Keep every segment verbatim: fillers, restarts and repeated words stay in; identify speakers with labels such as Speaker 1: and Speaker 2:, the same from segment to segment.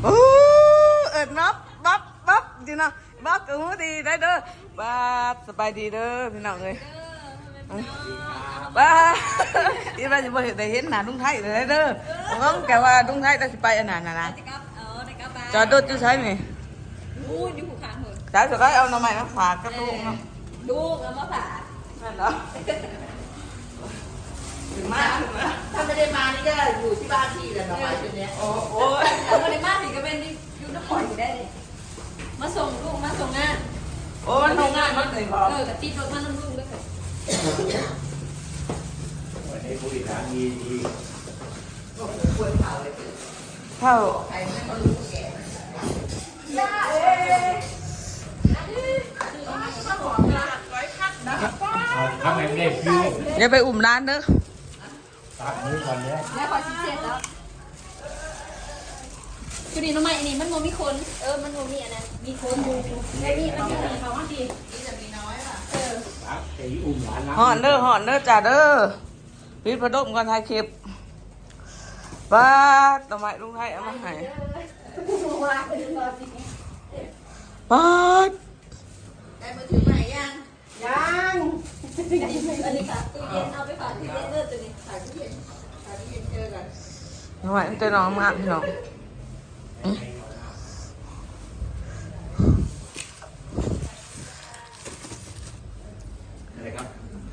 Speaker 1: โอ้เอ็ดนับบับบับดีนะบับกูดีได้เด้อบับสบายดีเด้อพี่น้องเลยบ้าที่บ้านจะบ่เห็นได้เห็นหน้าลุงไทยเลยเด้อน้องแกว่าลุงไทยจะไปอันนั้นนะนะจอดรถจะใช้ไหมดูอยู่ข้างเหรอสาวจะได้เอาหน่อไม้มาฝากกับลุงเนาะดูเอามาฝากนั่นเหรอถึงมากถ้าไม่ได้มานี่ก็อยู่ที่บ้านพี่แหละหน่อไม้ตัวเนี้ยโอ้โหไม่ได้มาถึงก็เป็นอยู่น้ำปล่อยได้เลยมาส่งลูกมาส่งงานโอ้มันส่งงานมันเลยพอเออกระติดรถมาน้ำลูกด้วย
Speaker 2: วันนี้ผู้บริหารดีดี
Speaker 1: เท่า
Speaker 2: ทำไงไม่ได้คือ
Speaker 1: อย่าไปอุ่มร้านเด้อ
Speaker 2: ตัดมือก่อนเนี่ย
Speaker 3: แล้วพอชิเสร็จแล้วจุดนี้ทำไมอันนี้มันโมมีคนเออมันโมมีอันนั้นมีคนดูไอ้นี่มันมีเขาว่าดีนี่จะมีน้อยป่ะเออ
Speaker 2: ตัดไอ้อุ้มหลาน
Speaker 1: หอนเด้อหอนเด้อจ่าเด้อพิษพระดมกันถ่ายคลิปป้าทำไมลุงไทยเอามาให้ป้า
Speaker 3: ได้มาถือใหม่ยังยังอันนี้ค่ะตู้เย็นเอาไปฝากตู้เย็นเด้อตัวนี้ฝากตู้เย็นฝากตู้เย็นเจอกัน
Speaker 1: ทำไมเจอน้องมากพี่น้อง
Speaker 2: อะไรครับ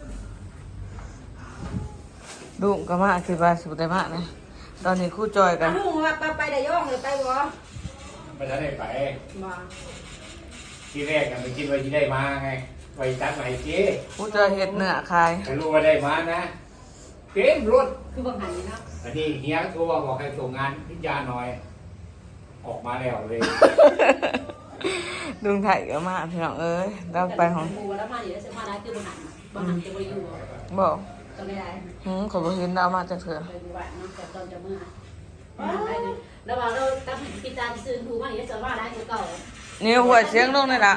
Speaker 1: ลุงก็มาคือว่าสุดได้มากนะตอนนี้คู่จอยกัน
Speaker 3: ลุงว่าไปได้ย่องหรือไปวะ
Speaker 2: ไม่ได้ไป
Speaker 3: มา
Speaker 2: ที่แรกกันไปคิดว่าจะได้มาไงไปตัดใหม่เจ๊
Speaker 1: คู่จอยเห็ดเนื้อคาย
Speaker 2: แต่รู้ว่าได้มานะเต็มรถ
Speaker 3: คือบางหันนี่นะ
Speaker 2: อันนี้เฮียโทรบอกให้ส่งงานพิจารณาหน่อยออกมาแล้วเลย
Speaker 1: ลุงไทยก็มาพี่น้องเอ้ยเราไปของ
Speaker 3: บูแล้วมาอยู่แล้วจะมาได้คือบางหันบางหันจะไปอยู่
Speaker 1: บอก
Speaker 3: ตอนไม่ได้
Speaker 1: หืมขอบคุณดาวมาจากเถอะ
Speaker 3: ตอนจะเมื่อแล้วว่าเราตั้งพิจารณาซื้อทูมาอยู่จะว่าได้คือเก่า
Speaker 1: นี่หัวเสียงลงเลยล่ะ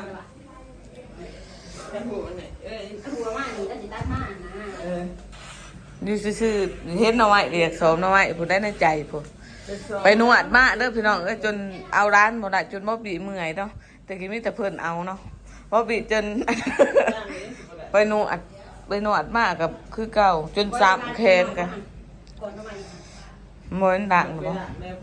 Speaker 3: หัวเนี่ยเออหัวมาอยู่ก็จะตั้งมานะ
Speaker 1: นี่ซื่อๆเห็นเอาไว้เรียกสมเอาไว้ผู้ได้ในใจผู้ไปนวดมาเด้อพี่น้องเอ้ยจนเอาร้านบ่ได้จนบ่บีเมื่อยเนาะแต่กี้มีแต่เพิ่นเอาเนาะบ่บีจนไปนวดไปนวดมากับคือเก่าจนซ้ำแขนกันเหมือนดังบ่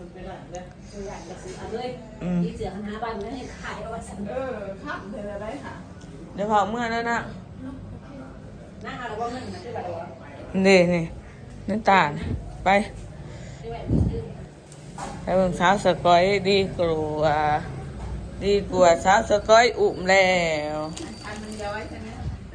Speaker 1: อืม
Speaker 3: ที่เสือคณะบ้านนั่นให้ขายเอาไว้สั่งเออครับเดี๋ยวได้ค่ะ
Speaker 1: เดี๋ยวพอเมื่อแล้วนะ
Speaker 3: นั่งเอาแล้วว่าเงินนะที่แบบว่า
Speaker 1: นี่นี่น้ำตาลไปไปเบิ่งสาวสกอยดีกว่าดีกว่าสาวสกอยอุ่มแล้ว
Speaker 3: อันมันย้อยใช่ไหม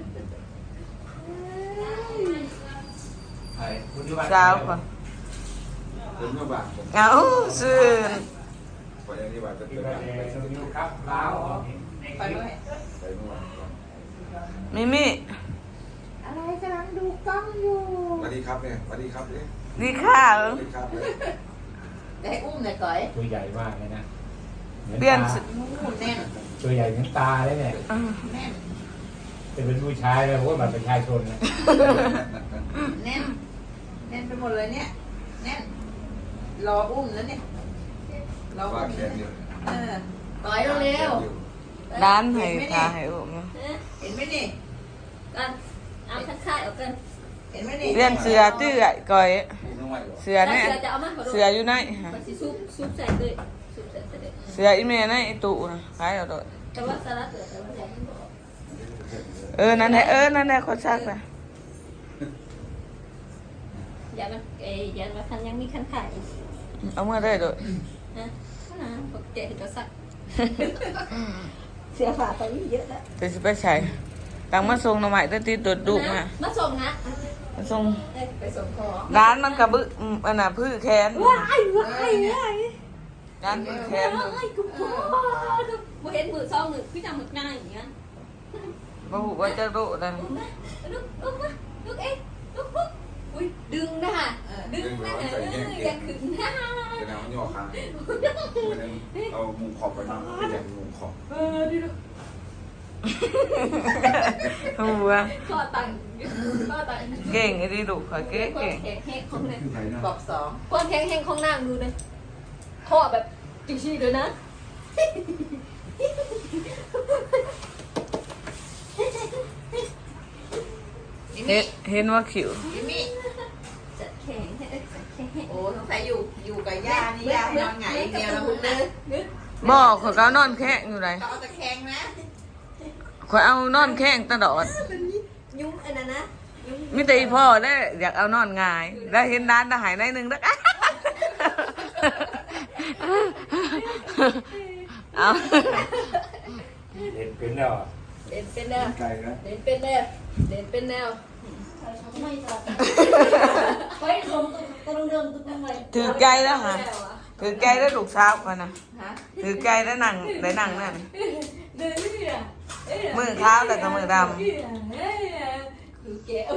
Speaker 1: สาวก่อน
Speaker 4: คุณมาบ้าน
Speaker 1: เอาซื่อ
Speaker 4: ไปยังที่บ้านเป็นตัวอย่างไปสนุก
Speaker 2: ครับลาว
Speaker 3: ไปด้วย
Speaker 4: ไปเมื่อวาน
Speaker 1: มิมิ
Speaker 3: อะไรกำลังดูกล้องอยู่
Speaker 4: สวัสดีครับเนี่ยสวัสดีครับเนี่ย
Speaker 1: ดีค่ะ
Speaker 4: สวัสดีครับเลย
Speaker 3: ได้อุ้มเลยก่อย
Speaker 2: ตัวใหญ่มากเลยนะ
Speaker 1: เปลี่ยน
Speaker 3: แน่น
Speaker 2: ตัวใหญ่เหมือนตาเลยเนี่ย
Speaker 3: แน่น
Speaker 2: จะเป็นผู้ชายเลยเพราะว่าแบบประชาชนนะ
Speaker 3: แน่นแน่นไปหมดเลยเนี่ยแน่นรออุ้มแล้วเนี่ย
Speaker 4: รอแขนอยู่
Speaker 3: เออต่อยเร็ว
Speaker 1: ร้านให้ตาให้อุ้ม
Speaker 3: เห็นไหมนี่กันเอาค่ายๆออกกันเห็นไหมนี่
Speaker 1: เปลี่ยนเสือตื้อก่อยเสือเนี่ยเสืออยู่ไหน
Speaker 3: ซุปซุปใส่เลยซุปใส่เลย
Speaker 1: เสืออีเมลในตู้นะขายเอาด้วย
Speaker 3: แต่ว่าสาระเสือแต่ว่า
Speaker 1: เออนั่นแหละเออนั่นแหละคนซักนะ
Speaker 3: อย่ามันเอ้ยอย่ามาคันยังมีคันขาย
Speaker 1: เอาเมื่อได้ด้วย
Speaker 3: นะนะปกติจะซักเสียฝาไปเยอะแล้ว
Speaker 1: จะไปใช้ตังมาส่งหน่อไม้ตั้งตีตัวดุมา
Speaker 3: มาส่งนะ
Speaker 1: มาส่ง
Speaker 3: ไปส่งของ
Speaker 1: ร้านมันกระบึ้อันน่ะพื้นแขน
Speaker 3: ว้ายว้ายว้าย
Speaker 1: ร้านพื้นแขน
Speaker 3: ว้ายกูพ่อกูเห็นมือซองหนึ่งพี่จำหมึกหน้าอย่างเงี้ย
Speaker 1: มาหูว่าจะดุนั่น
Speaker 3: ลุกลุกลุกเอ๊ะลุกลุกอุ้ยดึงนะดึงนะอย่าขึงนะ
Speaker 4: เป็นน้ำย่อคางเอามุงขอบไปมาเป็นอย่างมุงขอบ
Speaker 3: เออดิลูก
Speaker 1: หัว
Speaker 3: ข้อตังข้อตัง
Speaker 1: เก่งไอ้ดิดุขอเก่งเก่ง
Speaker 3: แข็งแห้งของเลยบอกสองคนแข็งแห้งของนางดูเลยข้อแบบจริงๆเลยนะ
Speaker 1: เห็นเห็นว่าขิว
Speaker 3: ยิมมี่จัดแข็งให้จัดแข็ง
Speaker 5: โอ้สงสัยอยู่อยู่กับย่านี่ย่านอนหงายเดียวแล้วมึงนะ
Speaker 1: บอกข่อยก็เอานอนแข้งอยู่ไหน
Speaker 5: เขาเอาตะแคงนะ
Speaker 1: ข่อยเอานอนแข้งตลอด
Speaker 3: ยุ่งอันนั้นนะยุ่ง
Speaker 1: มิแต่อีพ่อได้อยากเอานอนง่าย แล้วเห็นด้านทหารในหนึ่งแล้วเอา
Speaker 2: เห็นเป็นแล้วอะ
Speaker 3: เด่นเป็นแนว
Speaker 4: ไกลนะ
Speaker 3: เด่นเป็นแนวเด่นเป็นแนวไม่ตัดเฮ้ยลงตัวเดิมตัวใหม่
Speaker 1: ถือไกลแล้วฮะถือไกลแล้วลูกสาวกันนะ
Speaker 5: ฮะ
Speaker 1: ถือไกลแล้วนั่งได้นั่งนั่น
Speaker 3: เดินนี่อ่ะ
Speaker 1: มือขาวแต่ก็มือด
Speaker 3: คือแกะ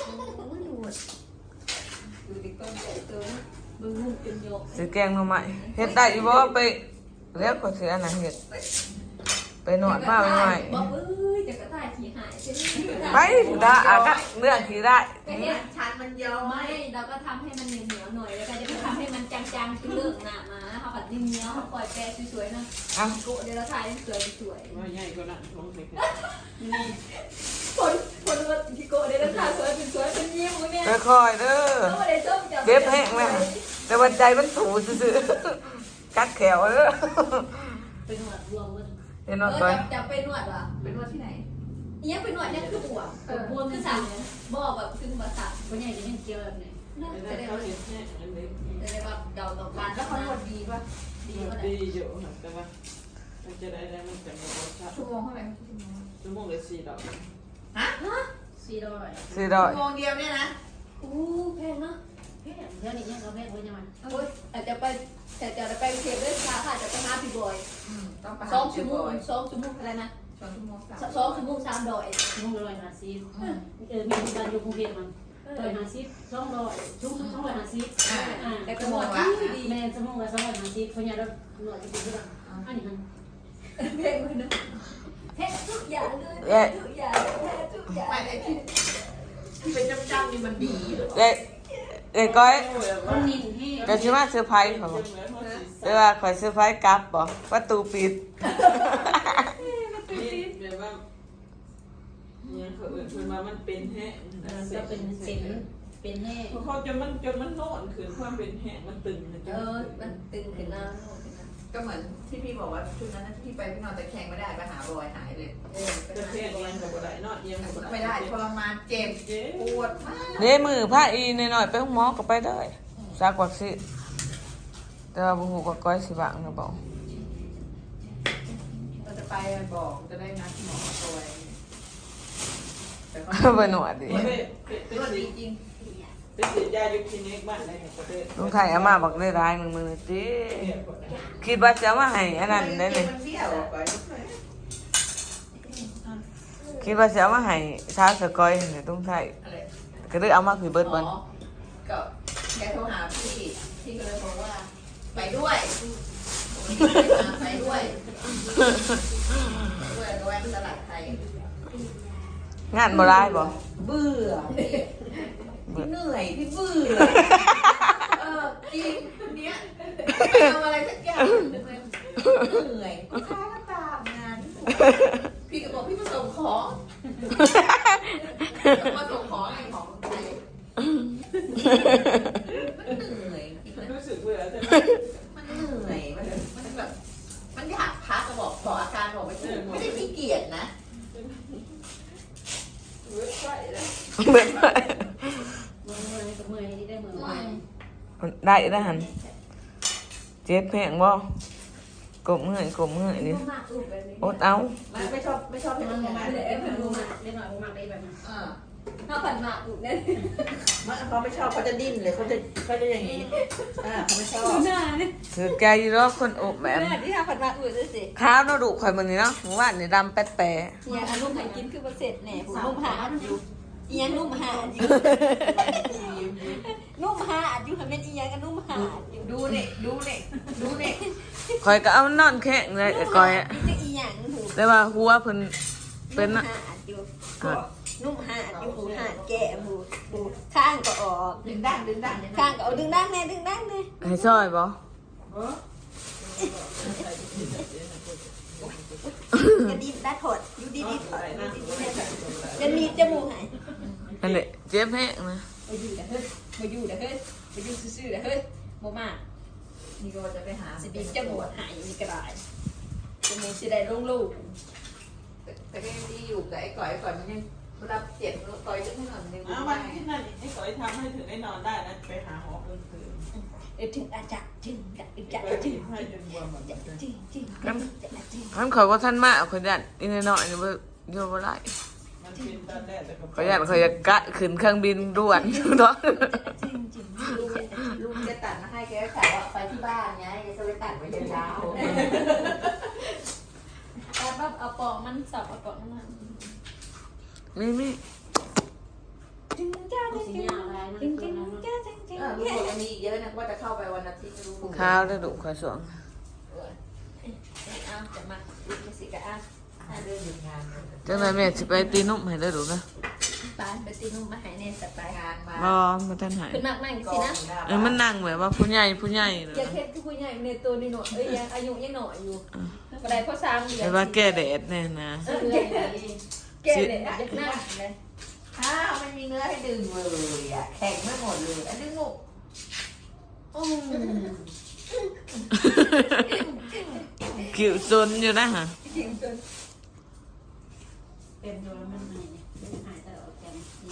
Speaker 3: ดูดิก้อนใหญ่ตัวมึงมุ่งเป็นโยก
Speaker 1: ำถือแกงมาใหม่เฮ็ดได้อีบ่ไปแล้วก็เสียนะเฮ็ดไปนวดผ้าใหม่
Speaker 3: บอกเอ้ยจะกระต่ายขี่หายใช่ไหม
Speaker 1: ไปได้อาก็เรื่องที่ได้
Speaker 5: ชันมันยาว
Speaker 3: ไม่เราก็ทำให้มันเหนียวๆหน่อยแล้วก็จะไปทำให้มันจางๆคือเรื่องหนามาเขาแบบนิ่มเนี้ยเขาปล่อยแปรสวยๆนะ
Speaker 1: เอา
Speaker 3: โกเดี๋ยวเราถ่ายให้สวยสวย
Speaker 6: ว่าใหญ่กว่านั้นลงไปกัน
Speaker 3: คนคนว่าพี่โกเดี๋ยวเราถ่ายสวยสวยเป็นยิ้มมึงเนี่ย
Speaker 1: ค่อยๆเด้อ
Speaker 3: เขาไม่ได้ชมจับ
Speaker 1: เก็บแห้งแล้วแต่วันใจมันถูซื่อๆกัดแขวเด้อ
Speaker 3: เป็นหนวดรวมมัน
Speaker 1: เห็น
Speaker 3: เอ
Speaker 1: ว่า
Speaker 3: อ
Speaker 1: ก่อ
Speaker 3: จั
Speaker 1: น
Speaker 3: บจับเป็นหนวดว่ะ
Speaker 5: เป็นนวดที่ไหน
Speaker 3: เนี่ยเป็นหนวดเนี่ยคือหัวเออบวมคือสั่งบอกแบบคือภาษา
Speaker 6: คนใหญ่จะเห็นเกี่ยวแบบไหน
Speaker 3: จะได้
Speaker 6: เขา
Speaker 3: ว่า
Speaker 6: เห็นแค่อันเล็ก
Speaker 3: จะได้ว่าเดาต่อการ
Speaker 5: แล้วเขานวดดีป่ะ
Speaker 3: ดีก็ได้
Speaker 6: ดีอยู่แต่ว่ามันจะได้ได้มันจะมีรสชาติ
Speaker 5: ชั่วโมงเท่าไหร่
Speaker 6: ชั่วโมงละสี่ดอก
Speaker 5: ฮะ
Speaker 3: สี่ร้อย
Speaker 1: สี่ดอย
Speaker 5: ชั่วโมงเดียวเนี่ยนะ
Speaker 3: อู้แพงเนาะ
Speaker 6: เฮ้ยเดี๋ยวนี้เนี่ยเราแม่คนยังไง
Speaker 3: โอ้ยอาจจะไปแต่จะไปเทปด้วยค่ะค่ะจะไปหาพี่บอย
Speaker 5: ต้องไป
Speaker 3: สองชั่วโมงสองชั่วโมงอะไรนะ
Speaker 5: สองชั่วโมงสาม
Speaker 3: สองชั่วโมงสามดอย
Speaker 6: ชั่วโมงละร้อยห้าสิบเออมีการอยู่กรุงเทพมันร้อยห้าสิบสองร้อยชั่วโมงสองร้อยห้าสิบ
Speaker 5: อ่า
Speaker 6: อ่า
Speaker 3: แต่ก็
Speaker 5: ชั่ว
Speaker 3: บ
Speaker 5: โม
Speaker 3: อก
Speaker 5: ง
Speaker 3: ว่า
Speaker 5: ละ
Speaker 3: ดี
Speaker 6: แม่ชั่วโมงละสองร้อยห้าสิบคนใหญ่เราหน่วยจะเป็นเท่าไหร่อันนี้มัน
Speaker 3: เพลงมันนะเพลงทุกอย่างเลยทุกอย่างทุกอย่าง
Speaker 5: ไม่ไอ้ที่ที่เป็นจ้ำๆนี่มันดีเหรอ
Speaker 1: เอ้ยเอ้ยก้อย
Speaker 6: มันนิ่มให้
Speaker 1: ก็สิมาเซอร์ไพรส์เขาบอกแต่ว่าข่อยเซอร์ไพรส์กลับบ่ประตูปิด
Speaker 6: แบบว่าเนี่ยเขาเอื่นเพิ่นมามันเป็นแห้ง
Speaker 3: จะเป็นเส้นเป็นแน่
Speaker 6: เพราะเขาจนมันจนมันโน่นขึ้นความเป็นแห้งมันตึงมัน
Speaker 3: เออมันตึงขึ้นแล้ว
Speaker 5: ก็เหมือนที่พี่บอกว่าชุดนั้นที่ไปพี่นอนตะแคงไม่ได้ไปหาบอยหายเลย
Speaker 3: เออ
Speaker 6: จะแค่เอียงกับอะไรนอนเอียงกับอะไร
Speaker 5: ไม่ได้ทรมานเจ็บปวดมาก
Speaker 1: เด้มือผ้าอีหน่อยๆไปห้องหมอก็ไปได้ซักวัคซีนแต่ว่าบ่ฮู้ว่าก้อยสิบังหรือบ่
Speaker 5: เราจะไปบอกจะได้นัดหมอตัวเองแต่ก็
Speaker 1: บ่หนวดดิ
Speaker 6: ไปไปไป
Speaker 5: นวด
Speaker 6: ฉี
Speaker 5: ดี
Speaker 6: ด
Speaker 5: จริง
Speaker 6: ไปฉีดยาอยู่คลินิกบ้านได้เนี่ยประเทศ
Speaker 1: ลุงไทยเอามาบอกได้ร้ายมึงมึงติคิดว่าจะเอามาให้อันนั้นได้นี่
Speaker 5: มันเบี้ยวออกไป
Speaker 1: คิดว่าจะเอามาให้ชาวสกอยนี่ลุงไทย
Speaker 5: อะไร
Speaker 1: ก็เลยเอามาคือเบิด
Speaker 5: อ๋
Speaker 1: บ่
Speaker 5: อก็แกโทรหาพี่พี่ก็เลยบอกว่า ไปด้วยไปด้วยด้วยก็แวะตลาดไทย
Speaker 1: งานบ่ร้ายบ่
Speaker 5: เบื่อพี่เหนื่อยพี่เบื่อเออจริงคนเนี้ยไปทำอะไรสักอย่างเหนื่อยก็ค้าก็ตามงานพี่ก็บอกพี่มาส่งของมาส่งของไอ้ของไทยมันเหนื่อย
Speaker 6: รู้สึกเบื่อใช่ไหม
Speaker 5: มันเหนื่อยมันมันแบบมันอยากพักก็บอกบอกอาการบอกไม่ถูกไม่ได้ขี้เกียจนะ
Speaker 6: เบื่อไปแล้ว
Speaker 1: เบิดไป
Speaker 6: มือมือกับมือนี่ได้มือไป
Speaker 1: ได้แล้วหั่นเจ็บแพงบ่กบเมื่อยกบเมื่อยนี่อดเอา
Speaker 5: มันไม่ชอบไม่ชอบให้มันอย่างนั้น
Speaker 6: เล
Speaker 5: เลย ย
Speaker 6: เอ็มพันรูมาเล่นหน่อยมาได้แบบนั้น
Speaker 5: อ่า
Speaker 3: ถ้าผ่านมาอุดเนี่ย
Speaker 5: มันเขาไม่ชอบเขาจะดิ้นเลยเขาจะเขาจะอย่างนี้อ่าเขาไม่ชอบ
Speaker 3: หน้าเนี่ย
Speaker 1: คือแกอยู่รอคนอบแบบ
Speaker 3: ที่ถ้าผ่านมาอุดด้วยสิ
Speaker 1: ข้าวเนาะดุข่อยมื้อนี้เนาะหมู่บ้านนี่ดำแป๊ดแปะ
Speaker 3: เนี่ยอันนุ่มหากินคือประเสริฐแหน่ผมนุ่มหาอยู่อียังนุ่มหาอยู่นุ่มหาอยู่ทำเป็นอียังกันนุ่มหาอยู่
Speaker 5: ดูเนี่ยดูเนี่ยดูเนี่ย
Speaker 1: ข่อยก็เอานอนแข้งเลยไอ้ก้อยอะ
Speaker 3: จะอียังหู
Speaker 1: แต่ว่าหัวเพิ่นเป็น
Speaker 3: นุ่
Speaker 1: น่ะ
Speaker 3: มหาอยู่นุ่มหาอยู่หูหาแก่หูหูข้างก็ออก
Speaker 5: ดึงดั้งดึงดั้ง
Speaker 3: ข้างก็เอาดึงดั้งแน่ดึงดั้งแน่
Speaker 1: ให้ซอยบ่
Speaker 6: เออ
Speaker 3: กระดิ่งได้ถดอยู่ดีดีถดจะมีจมูกหาย
Speaker 1: นั่นแหละเจ็บแห้งนะ
Speaker 3: มาอยู่เด้อเฮ้ยมาอยู่เด้อเฮ้ยมาอยู่ซื่อๆเด้อเฮ้ยโมมา
Speaker 5: นี่ก็จะไปหา
Speaker 3: สิบีจมูกหายมีกระดาษจมูกสิได้ลงลูก
Speaker 5: แต่ก็ยังดีอยู่กับไอ้ก่อยไอ้ก่อยมันยังรับเจ็บก่อยจะให้หน่อยนึง
Speaker 7: เอาวันที่นั่นไอ้ก่อยทำให้ถึงได้นอนได้นะไปหาหมอเพิ่มคืน
Speaker 3: เออถึงอาจารย์ถึงกับอาจาร
Speaker 7: ไป
Speaker 3: ย์ถึ
Speaker 7: ที่
Speaker 3: ง
Speaker 7: ให้จนบวมหมด
Speaker 3: จริงจริง
Speaker 1: มันขอยว่าท่านมาเอาขยันอีนน้อยนี่บ่เยอะบ่ได้
Speaker 7: มันเป็นตอนแรกแต่ก็
Speaker 1: ขยันขอยจะกะขึ้นเครื่องบินด่วนเนาะ
Speaker 3: จริงจริง
Speaker 5: ลูกลูกจะตัดมาให้แกก็ขายว่าไปที่บ้านไงจะไปตัดไว้ยาว
Speaker 3: แต่แบบเอาปองมันสับเอาปองมัน
Speaker 1: มีมี
Speaker 3: จริงจ้าจริงจริงจริงจริงจ้าจริงจริง
Speaker 5: เออลูกบอกยังมีอีกเยอะนะว่าจะเข้าไปวันอาทิตย์ไม่รู้
Speaker 1: ข้าวได้ดุขอยสวง
Speaker 3: เอาจะมาลูกมาสิกะอ่ะ
Speaker 5: ถ้าเรื่องหยุดงาน
Speaker 1: จังไดแม่สิไปตีนุ่มให้ได้ดุนะ
Speaker 3: ปานไปตีนุ่มมาหายในสัตว์ไป
Speaker 5: งานมา
Speaker 1: บ่บ่ทันหาย
Speaker 3: ขึ้นมากมากสินะ
Speaker 1: เออมันนั่งแบบว่าผู้ใหญ่ผู้ใหญ่เลย
Speaker 3: อย่าเค็ดคือผู้ใหญ่ในตัวนี่หน่อยเอ้ยยังอายุยังหน่อยอยู่กระไดพ่อสามเดือ
Speaker 1: แต่
Speaker 3: น
Speaker 1: ว่าแก้แดดแน่นะ
Speaker 3: เออแก่เลยอ่ะหน้าเลย
Speaker 5: อ้าวไม่มีเนื้อให้ดึงเลยอ่ะแข็งไม่หมดเลยอันดึงหนุก
Speaker 3: อืม
Speaker 1: คิวซนอยู่นะฮะ
Speaker 3: จริงจน
Speaker 6: เป็นโดนมันหายหายตลอดกัน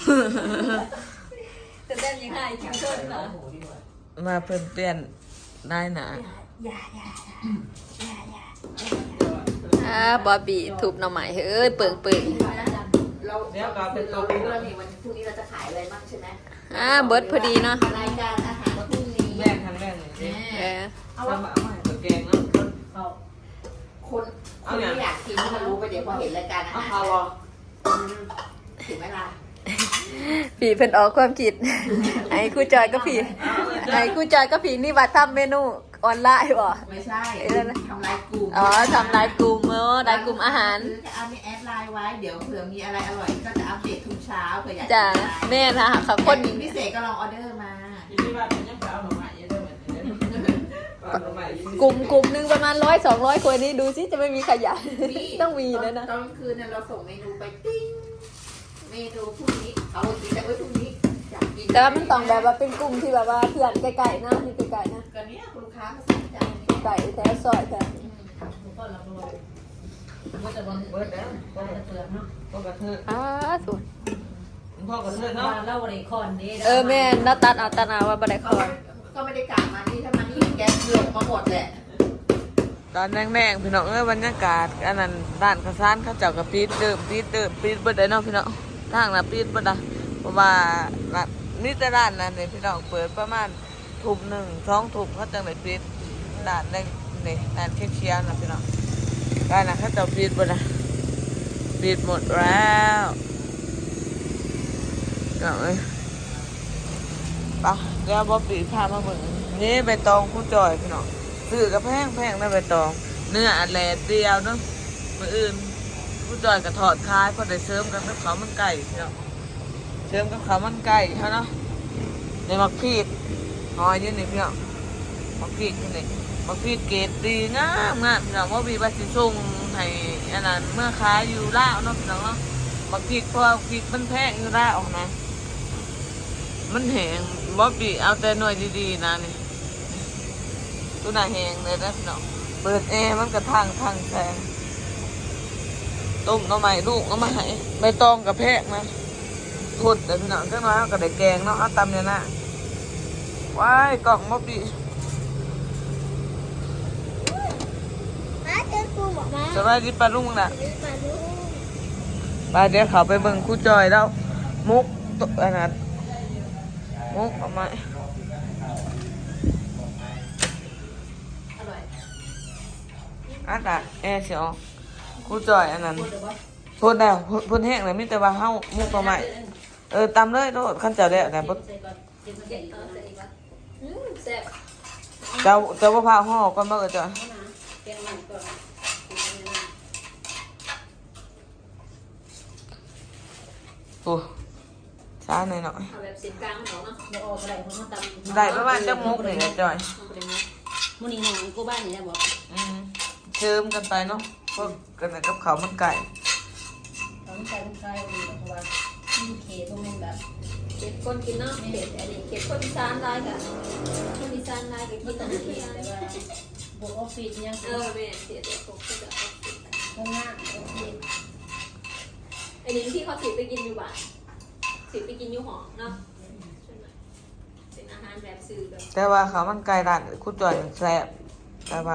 Speaker 3: แต่แต้มยังหายจริงจนเหรอ
Speaker 5: หมูดีกว่า
Speaker 1: มาเพิ่นเปลี่ยนได้นะ
Speaker 3: อย่าอย่าอย่าอย่าอ่าบอบบี้ถูกหน่อไม้เฮ้ยเปิงเปิง
Speaker 5: เราเดี๋ยวเราเรารู้แล้วนี่วันพรุ่งนี้เราจะขายอะไรบ้างใช่ไหม
Speaker 3: อ่าเบิร์ดพอดีเนาะ
Speaker 5: รายการอาหารพรุ่งนี้
Speaker 1: แม่ทางแรกเลย
Speaker 3: เออ
Speaker 1: เอาว่าเอาให้ตัวแกงเนาะ
Speaker 6: เขา
Speaker 5: คนคนที่อยากกินก็รู้ไปเดี๋ยวพอเห็นรายการอา
Speaker 1: เอา
Speaker 5: หาร
Speaker 1: ข้าวบ่
Speaker 5: ถึงเวลา
Speaker 3: ผีเพิ่นออกความคิดไอ้ครู่จอยก็ผีไอ้ครู่จอยก็ผีนี่ว่าทำเมนูออนไลน์บ่
Speaker 5: ไม่ใช่ทำลายกลุ่ม
Speaker 3: อ๋อทำรายกลุ่มเออรายกลุ่มอาหาร
Speaker 5: จะเอามีแอดไลน์ไว้เดี๋ยวเผื่อมีอะไรอร่อยก็จะอัปเดตทุกเช้าเผื่ออยาก
Speaker 3: จ้ะแม่นะค่ะ
Speaker 5: ค
Speaker 3: คน น
Speaker 5: พิเศษก็ลองออเดอร์มา
Speaker 7: ที่ที่บ้านมันยังไปเอาหน่อไม้เยอะด้วยเหมือนกันเอาหน่อไม้ยี่สิบ
Speaker 3: กลุ่มกลุ่มหนึ่งประมาณร้อยสองร้อยคนนี้ดูซิจะไม่มีขยะต้องมีแล้วนะ
Speaker 5: ตอนกลางคืนเนี่ยเราส่งเมนูไปติ้งเมนูพรุ่งนี้เอากินแต่ไว้พรุ่งนี้อยากกิน
Speaker 3: แต่ว่ามันต้องแบบว่าเป็นกลุ่มที่แบบว่าเพื่อนไกลๆนะที่ไกลๆนะ
Speaker 5: กันเนี้ยลูกค้าเขาสั่งจานนี้
Speaker 3: ไก่แถวซอยแถว
Speaker 6: ก็เราโดนก็จะวัน
Speaker 1: เบิดแล้ว
Speaker 6: ก็จะเตือนเนาะ
Speaker 1: พ่อกระเทือน
Speaker 3: อ่าสวย
Speaker 1: พ่อกระเทือนเนาะ
Speaker 6: เราบริคอนนี้
Speaker 3: เออแม่นัตัดเอาตานาว่าบันไดค
Speaker 5: ก็
Speaker 3: อน
Speaker 5: ก็ไม่ได้กลับมานี่ถ้ามานี่แกเกือบมาหมดแหละ
Speaker 1: ตอนแดงๆพี่น้องเอ้ยบรรยากาศอันนั้นร้านข้าวสารเขาเจ้ากับปีดเดิมปีดเดิมปีดเบิดได้เนาะพี่น้องทางน่ะปีดเบิดอ่ะเพราะว่าร้านนี่แต่ร้านนั้นเนี่ยพี่น้องเปิดประมาณทุ่มหนึ่งสองทุ่มเขาจังได้ปิดร้านแดงนี่ร้านเคียวๆนะพี่น้องร้านน่ะเขาเจ้าปิดเบิดอ่ะปิดหมดแล้วพี่น้องเอ้ยไปเดี๋ยวบ่ปีพามาเบิ่งนี่ใบตองคู่จอยพี่น้องซื้อกับแพงแพงนะใบตองเนื้ออันแหลดเดียวเนาะมื้ออื่นคู่จอยก็ทอดขายพอได้เสริมกันกับข้าวมันไก่พี่น้องเสริมกับข้าวมันไก่เฮาเนาะในมักพีดหอยอยู่นี่พี่น้องมักพีดอยู่นี่มักพีดเกรดดีงามงามพี่น้องว่ามีว่าสิส่งให้อันนั้นเมื่อขายอยู่ลาวเนาะพี่น้องเนาะมักพีดเพราะว่าพีดมันแพงอยู่ลาวนะ มันแหงบ๊อบบี้เอาแต่หน่วยดีๆนะนี่ตัวหน้าแหงเลยนะพี่น้องเปิดแอร์มันกระทางทางแสงต้มหน้ำใหม่ลูกหน้ำใหม่ใบตองกับแพกนะทดแต่พี่น้องจังน้อยเอากระไดแกงเนาะเอาตำเนี่ยนะว้ายกล่องบ๊อบบี้
Speaker 3: มาเจอกูบอกมา
Speaker 1: สวัสดีปลาลุงน่ะ
Speaker 3: มาดู
Speaker 1: ปลาเดี๋ยวเขาไปเบิ่งคู่จอยแล้วมุกตัวอันนั้นมุกเอามา
Speaker 3: อร่อย
Speaker 1: อันน่ะแอร์เสียวคู่จอยอันนั้นพูดแล้วพูดพูดแห้งเลยมิแต่ว่าเฮามุกเอามาเออตำเลยโลดขั้นเจ้าแล้วแต่บ่
Speaker 6: ใส่ก่อนเก็บมา
Speaker 3: เก็
Speaker 6: เก็
Speaker 3: บบ เอา
Speaker 6: เอา
Speaker 3: ใส่
Speaker 6: ใส่
Speaker 3: อีกวะอืมแซ่บ
Speaker 1: เจ้าเจ้าบ่พาห่อก่อนบ่เออจ้ะ
Speaker 6: นะแกงมันก่อน
Speaker 1: โอ้ช้าหน่อยหน่อย
Speaker 3: เอาแบบเสียงกลางของเนาะ
Speaker 6: เราออกอะไรเพราะมันตำ
Speaker 1: ได้ประมาณจักมุกนี่แหละจอย
Speaker 3: เอาไปเลยนะ
Speaker 6: มื้อนี้น้องกูบ้านนี่ได้บอก
Speaker 1: อืมเชิมกันไปเนาะพวกกันน่ะกับเขาวมันไก่
Speaker 3: ต้องใช้ลูกชายดีเพราะว่าที่เคต้องเป็นแบบ
Speaker 5: เก็บคนกินเนาะเก็บอันนี้เก็บคนอีสานได้กับคนอีสานได้กับกิน
Speaker 3: ต้
Speaker 5: อา
Speaker 3: อง
Speaker 5: หาร
Speaker 3: เขี
Speaker 5: ที่
Speaker 3: ยน
Speaker 5: อัน
Speaker 3: แต่ว่าบวกออฟฟิศยัง
Speaker 5: เออแม่เสียเด็กตกก็จะเอาสิ
Speaker 3: ข้างหน้าออฟฟิศ
Speaker 5: อันนี้ที่เขาถือไปกินอยู่บ้านถือไปกินอยู่หอเนาะใช่ไหมเป็นอาหารแบบซื้อแบบ
Speaker 1: แต่ว่าเขาวมันไก่ร้านคุณจอยแซ่บแต่ว่า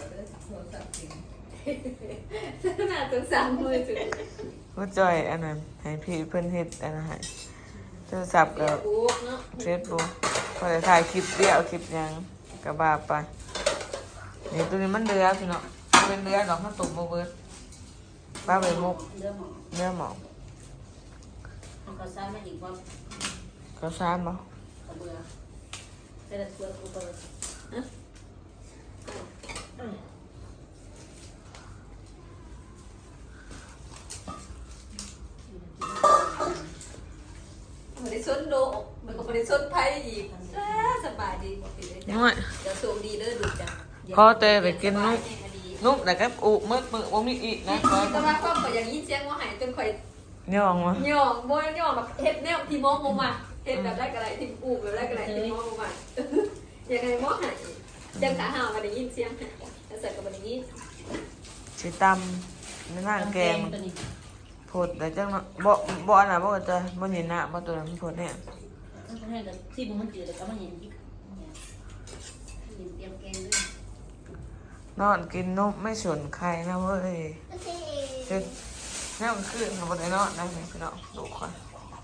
Speaker 5: น่าสงสารมือถือ
Speaker 1: คุณจอยอันนั้นให้พี่เพิ่นเฮ็ดอันนั้นให้โทรศัพท์
Speaker 5: เดี๋
Speaker 1: กั
Speaker 5: ยว
Speaker 1: บ
Speaker 5: บุ๊กเนาะ
Speaker 1: เฟซบุ๊กพอได้ถ่ายคลิปเดียวคลิปหยังก็บาไปนี่ตัวนี้มันเดือพี่เนาะมันเป็นเดือดอกข้าวต้มบ่เบิดป้าไปมุก
Speaker 6: เรื่องหมอ
Speaker 1: เนื้อหมอก
Speaker 6: มันก็ซ้ำมาอีกว่า
Speaker 1: ข้าวสารบ่
Speaker 6: กระเบือแต่ละตัวกูเปิด
Speaker 5: ไม่ได้ชนโลกมันก็ไม่ได้ชนไพ่อีกสบายดีบอกไปเลยจ้ะ
Speaker 1: น้อย
Speaker 5: เดี๋ยวสูงดีเด้อดูจ้ะ
Speaker 1: พอเตไปกินนุ่มนุ่มแต่ก็อุมึกมึกบ่มีอีกนะคอย
Speaker 5: แต่ว่าก็ข่อยอย่างนี้เสียงว่าหายจนข่อย
Speaker 1: ย่องมา
Speaker 5: ย่องบ่ย่องแบบเฮ็ดแนวที่มองลงมาเฮ็ดแบบแรกอะไรที่อูแบบแรกอะไรที่มองลงมายังไงมองหายจังขาห่าวมาได้ยินเสียงหายแล้วใส่กับมันนี้
Speaker 1: สิตำในหน้าแกง
Speaker 6: ตัวนี้
Speaker 1: ผดแต่จังเนาะบ่บ่อันน่ะบ่จะบ่เห็นหน้าบ่ตัวนั้นมันผดเนี่ย
Speaker 6: ต้องให้กับที่มันจืดแล้วก็มันเห็นที่เห็นเตรียมแกงด้วย
Speaker 1: นอนกินนมไม่สนใครนะเว้ยเฮ็ดแนวคืนบ่ได้นอนได้ไหมพี่น้องดูก่อน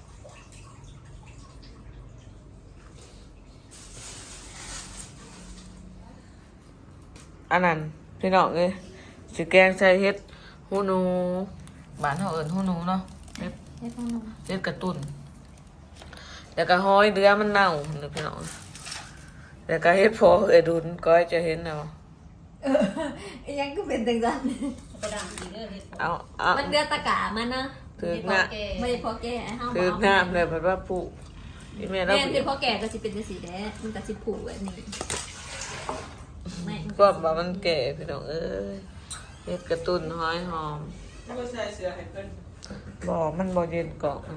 Speaker 1: อันนั้นพี่น้องเอ้ยสิแกงใส่เฮ็ดหูหนูบ้านเฮาเอิ้นหูหนูเนาะเฮ็ด
Speaker 5: เฮ็ดของหนู
Speaker 1: เฮ็ดกระตุ้นแล้วก็ห้อยเดือมันเน่าเด้อพี่น้องแล้วก็เฮ็ดพอเอ้ยดุนก้อยจะเห็นเนาะ
Speaker 5: ยังก็เป็นจังซั่น
Speaker 6: ไปด่างอีกเด้อเห็ด
Speaker 1: เอาเอา
Speaker 5: มันเดือดตะกะมันนะ
Speaker 1: ถือหน้า
Speaker 5: ไม่พอแก่เฮา
Speaker 1: ถือหน้าเลยแบบว่าผู้อีแม่เรา
Speaker 5: แม่นคือพอแก่ก็สิเป็นจังซี่แหละมันก็สิผูกแบบนี้ไม่
Speaker 1: ก็ว่ามันแก่พี่น้องเอ้ยเฮ็ดกระตุ้นห้อยหอม
Speaker 7: ไม่ใส่เสื้อให้เพิ่น
Speaker 1: บ่มันบ่เย็นเกาะ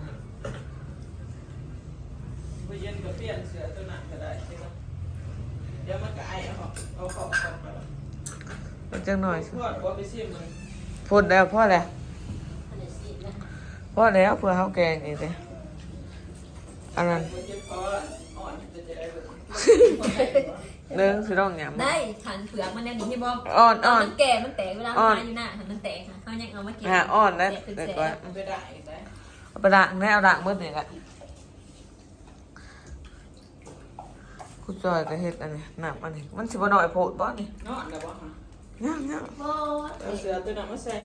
Speaker 7: ไปเย็นก็เปลี่ยนเสื้อตัวนั้นก็ได้ใช่ไหมเดี๋ยวมันก็ไอเอาเอาเข้าเข้าไป
Speaker 1: มันจังหน่อย
Speaker 7: พวดบ่ไปซิมมัน
Speaker 1: พูดแล้วพอแล้ว
Speaker 6: อันนี้สินะ
Speaker 1: พอแล้วเพื่อเฮาแกงอีกเด้อันนั้น
Speaker 7: บ่เจ็บคออ่อนจะจะได้แบบ
Speaker 1: เด้อพี่น้องหยัง
Speaker 5: ได้ขันเผือกมันแน่นี่ที่บอก
Speaker 1: อ่อนอ่อน
Speaker 5: มันแก่มันแตกเวลา
Speaker 1: อ่อน
Speaker 5: มาอยู่หน้ามันแตกค่ะเขายังเอามาเก็บ
Speaker 1: หาอ่อนนะ
Speaker 5: แตกเป็น
Speaker 1: แต่
Speaker 5: แส
Speaker 1: ก่อน
Speaker 5: น
Speaker 7: ไปได้อีกได้
Speaker 1: เอาไปด่างแน่เอาด่างมืดนี่แหละคุณจอยก็เฮ็ดอันนี้น้ำอันนี้มันสิบ่น้อยโพดบ่นี่
Speaker 7: นอนแล้วบ่ฮะ
Speaker 1: ย่างย่าง
Speaker 7: เอาเสื้อตัวนั้นมาใส่